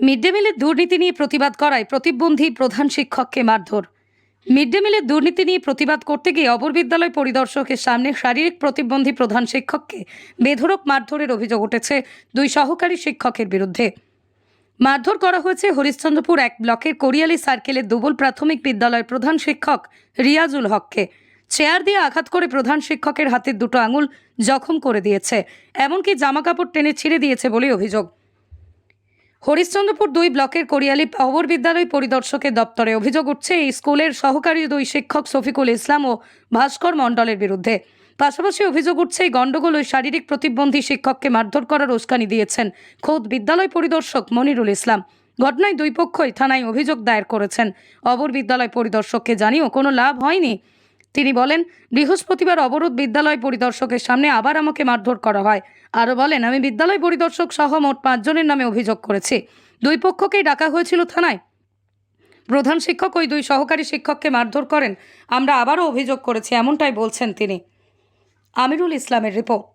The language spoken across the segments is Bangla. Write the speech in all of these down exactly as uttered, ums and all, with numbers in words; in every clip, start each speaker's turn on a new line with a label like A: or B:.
A: মিড ডে মিলের দুর্নীতি নিয়ে প্রতিবাদ করায় প্রতিবন্ধী প্রধান শিক্ষককে মারধর। মিড ডে মিলের দুর্নীতি নিয়ে প্রতিবাদ করতে গিয়ে অপর বিদ্যালয় পরিদর্শকের সামনে শারীরিক প্রতিবন্ধী প্রধান শিক্ষককে বেধড়ক মারধরের অভিযোগ উঠেছে দুই সহকারী শিক্ষকের বিরুদ্ধে। মারধর করা হয়েছে হরিশ্চন্দ্রপুর এক ব্লকের কোরিয়ালি সার্কেলের দুবল প্রাথমিক বিদ্যালয়ের প্রধান শিক্ষক রিয়াজুল হককে। চেয়ার দিয়ে আঘাত করে প্রধান শিক্ষকের হাতের দুটো আঙুল জখম করে দিয়েছে, এমনকি জামাকাপড় টেনে ছিঁড়ে দিয়েছে বলে অভিযোগ। হরিশ্চন্দ্রপুর দুই ব্লকের কোরিয়ালি অবর বিদ্যালয় পরিদর্শকের দপ্তরে অভিযোগ উঠছে এই স্কুলের সহকারী দুই শিক্ষক শফিকুল ইসলাম ও ভাস্কর মণ্ডলের বিরুদ্ধে। পাশাপাশি অভিযোগ উঠছে এই গণ্ডগোল ওই শারীরিক প্রতিবন্ধী শিক্ষককে মারধর করার উস্কানি দিয়েছেন খোদ বিদ্যালয় পরিদর্শক মনিরুল ইসলাম। ঘটনায় দুই পক্ষই থানায় অভিযোগ দায়ের করেছেন। অবর বিদ্যালয় পরিদর্শককে জানিয়েও কোনো লাভ হয়নি। তিনি বলেন, বৃহস্পতিবার অবরোধ বিদ্যালয় পরিদর্শকের সামনে আবার আমাকে মারধর করা হয়। আরও বলেন, আমি বিদ্যালয় পরিদর্শক সহ মোট পাঁচজনের নামে অভিযোগ করেছি। দুই পক্ষকেই ডাকা হয়েছিল থানায়। প্রধান শিক্ষক ওই দুই সহকারী শিক্ষককে মারধর করেন, আমরা আবারও অভিযোগ করেছি, এমনটাই বলছেন তিনি। আমিরুল ইসলামের রিপোর্ট।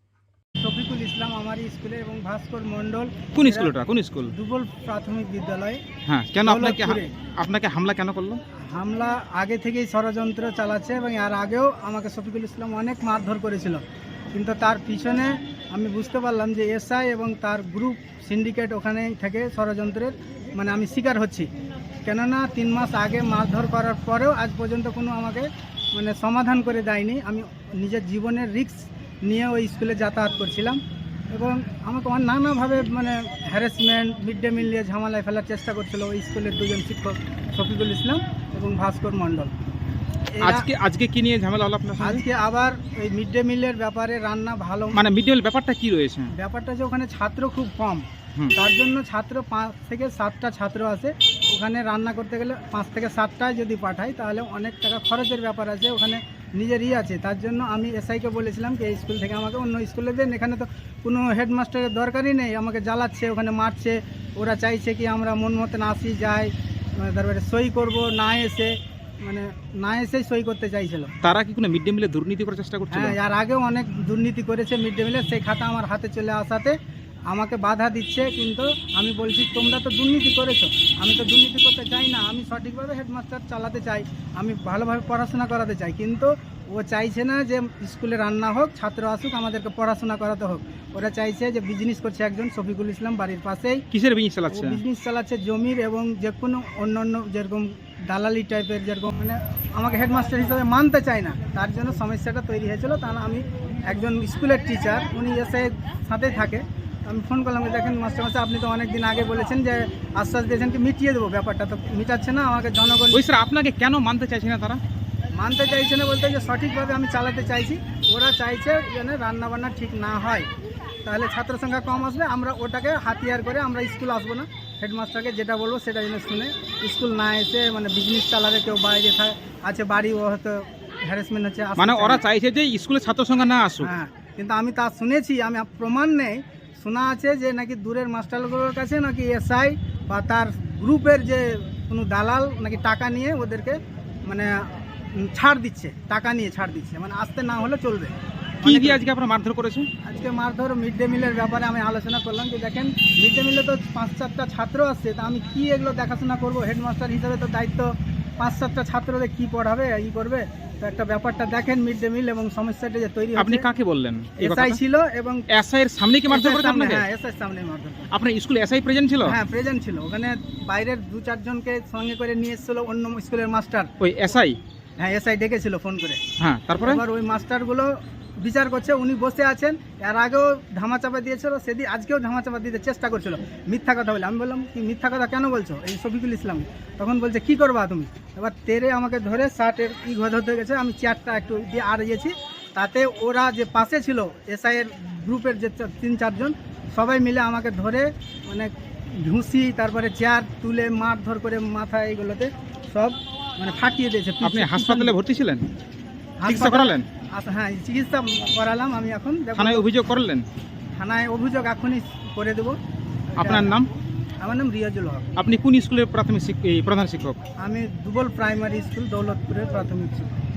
B: শফিকুল ইসলাম আমার স্কুলে এবং ভাস্কর মণ্ডল
C: কোন স্কুলটা কোন স্কুল
B: দুবল প্রাথমিক বিদ্যালয়।
C: হ্যাঁ, কেন আপনাকে
B: দৌলতপুরে।
C: আপনাকে হামলা কেন করলো?
B: হামলা আগে থেকেই ষড়যন্ত্র চালাচ্ছে এবং এর আগেও আমাকে শফিকুল ইসলাম অনেক মারধর করেছিল, কিন্তু তার পিছনে আমি বুঝতে পারলাম যে এসআই এবং তার গ্রুপ সিন্ডিকেট ওখানে থেকে ষড়যন্ত্রের মানে আমি শিকার হচ্ছি। কেননা তিন মাস আগে মারধর করার পরেও আজ পর্যন্ত কোনো আমাকে মানে সমাধান করে দেয়নি। আমি নিজের জীবনের রিস্ক নিয়ে ওই স্কুলে যাতায়াত করছিলাম এবং আমাকে নানাভাবে মানে হ্যারাসমেন্ট, মিড ডে মিল নিয়ে ঝামেলায় ফেলার চেষ্টা করছিল ওই স্কুলের দুজন শিক্ষক শফিকুল ইসলাম এবং ভাস্কর মণ্ডল।
C: আজকে আজকে কি নিয়ে ঝামেলা হলো আপনার সঙ্গে?
B: আজকে আবার ওই মিড ডে মিলের ব্যাপারে রান্না ভালো
C: মানে মিড ডে মিল ব্যাপারটা কি রয়েছে?
B: ব্যাপারটা যে ওখানে ছাত্র খুব কম,
C: হুম।
B: তার জন্য ছাত্র পাঁচ থেকে সাতটা ছাত্র আছে। ওখানে রান্না করতে গেলে পাঁচ থেকে সাতটায় যদি পাঠাই তাহলে অনেক টাকা খরচের ব্যাপার আছে, ওখানে নিজেরই আছে। তার জন্য আমি এসআইকে বলেছিলাম কি এই স্কুল থেকে আমাকে অন্য স্কুলে দেন, এখানে তো কোনো হেডমাস্টারের দরকারই নেই, আমাকে জ্বালাচ্ছে, ওখানে মারছে। ওরা চাইছে কি আমরা মন মতন আসি যাই, তারপরে সই করব না এসে মানে না এসেই সই করতে চাইছিল।
C: তারা কি কোনো মিড ডে মিলে দুর্নীতি করার চেষ্টা করছিল?
B: হ্যাঁ, আর আগেও অনেক দুর্নীতি করেছে মিড ডে মিলে। সেই খাতা আমার হাতে চলে আসাতে আমাকে বাধা দিচ্ছে, কিন্তু আমি বলছি তোমরা তো দুর্নীতি করেছো, আমি তো দুর্নীতি করতে চাই না, আমি সঠিকভাবে হেডমাস্টার চালাতে চাই, আমি ভালোভাবে পড়াশোনা করাতে চাই। কিন্তু ও চাইছে না যে স্কুলে রান্না হোক, ছাত্র আসুক, আমাদেরকে পড়াশোনা করাতে হোক। ওরা চাইছে যে বিজনেস করছে একজন শফিকুল ইসলাম বাড়ির পাশেই।
C: কিসের বিজনেস চালাচ্ছে?
B: বিজনেস চালাচ্ছে জমির এবং যে কোনো অন্য অন্য যেরকম দালালি টাইপের, যেরকম মানে আমাকে হেডমাস্টার হিসাবে মানতে চায় না। তার জন্য সমস্যাটা তৈরি হয়েছিল। তা না আমি একজন স্কুলের টিচার, উনি এসে সাথেই থাকে। আমি ফোন করলাম, দেখেন মাস্টার মাস্টার আপনি তো অনেক দিন আগে বলেছেন যে আশ্বাস দিয়েছেন কি মিটিয়ে দেবো, ব্যাপারটা তো মিটাচ্ছে না। আমাকে জনগণ
C: ওই স্যার আপনাকে কেন মানতে চাইছে না? তারা
B: মানতে চাইছে না বলতে যে সঠিকভাবে আমি চালাতে চাইছি। ওরা চাইছে যেন রান্নাবান্না ঠিক না হয়, তাহলে ছাত্র সংখ্যা কম আসবে, আমরা ওটাকে হাতিয়ার করে আমরা স্কুল আসবো না। হেডমাস্টারকে যেটা বলবো সেটা যেন শুনে স্কুল না এসে মানে বিজনেস চালাবে, কেউ বাইরে আছে বাড়ি, ও হয়তো হ্যারাসমেন্ট হচ্ছে।
C: মানে ওরা চাইছে যে স্কুলে ছাত্র সংখ্যা না আসুক।
B: হ্যাঁ, কিন্তু আমি তা শুনেছি, আমি প্রমাণ নেই, শোনা আছে যে নাকি দূরের মাস্টারগুলোর কাছে নাকি এসআই বা তার গ্রুপের যে কোনো দালাল নাকি টাকা নিয়ে ওদেরকে মানে ছাড় দিচ্ছে, টাকা নিয়ে ছাড় দিচ্ছে, মানে আসতে না হলে চলবে।
C: কি দিয়ে আজকে আপনারা মারধর করেছেন?
B: আজকে মারধর মিড ডে মিলের ব্যাপারে আমি আলোচনা করলাম যে দেখেন মিড ডে মিলে তো পাঁচ চারটা ছাত্র আসছে, তা আমি কি এগুলো দেখাশোনা করবো? হেডমাস্টার হিসাবে তো দায়িত্ব পাঁচ সাতটা ছাত্রদের কি পড়াবে, ই করবে। তো একটা ব্যাপারটা দেখেন মিড ডে মিল এবং সমস্যাটা যে তৈরি হচ্ছে।
C: আপনি কাকে বললেন?
B: এসআই ছিল এবং
C: এসআই এর সামনে কি মারধর করেছে আপনাকে?
B: হ্যাঁ, এসআই সামনে মারধর।
C: আপনার স্কুলে এসআই প্রেজেন্ট ছিল?
B: হ্যাঁ, প্রেজেন্ট ছিল। ওখানে বাইরের দু চারজনকে সঙ্গে করে নিয়ে এসেছিল অন্য স্কুলের মাস্টার।
C: ওই এসআই?
B: হ্যাঁ, এসআই ডেকেছিল ফোন করে।
C: হ্যাঁ, তারপরে
B: এবার ওই মাস্টারগুলো বিচার করছে, উনি বসে আছেন। এর আগেও ধামাচাপা দিয়েছিল, সেদিন আজকেও ধামাচাপা দিতে চেষ্টা করছিল মিথ্যা কথা বলে। আমি বললাম কি মিথ্যা কথা কেন বলছো এই শফিকুল ইসলাম? তখন বলছে কি করবা তুমি? এবার তেরে আমাকে ধরে শার্টের ই ধরতে গেছে, আমি চেয়ারটা একটু দিয়ে আর গেছি। তাতে ওরা যে পাশে ছিল এসআইয়ের গ্রুপের যে তিন চারজন, সবাই মিলে আমাকে ধরে মানে ঘুষি, তারপরে চেয়ার তুলে মারধর করে মাথা এইগুলোতে সব মানে ফাটিয়ে দিয়েছে।
C: আপনি হাসপাতালে ভর্তি ছিলেন? চিকিৎসা করালেন?
B: আচ্ছা, হ্যাঁ, চিকিৎসা করালাম। আমি এখন
C: থানায় অভিযোগ করলেন?
B: থানায় অভিযোগ এখনই করে দেবো।
C: আপনার নাম?
B: আমার নাম রিয়াজুল হক।
C: আপনি কোন স্কুলের প্রাথমিক প্রধান শিক্ষক?
B: আমি দুবল প্রাইমারি স্কুল দৌলতপুরের প্রাথমিক শিক্ষক।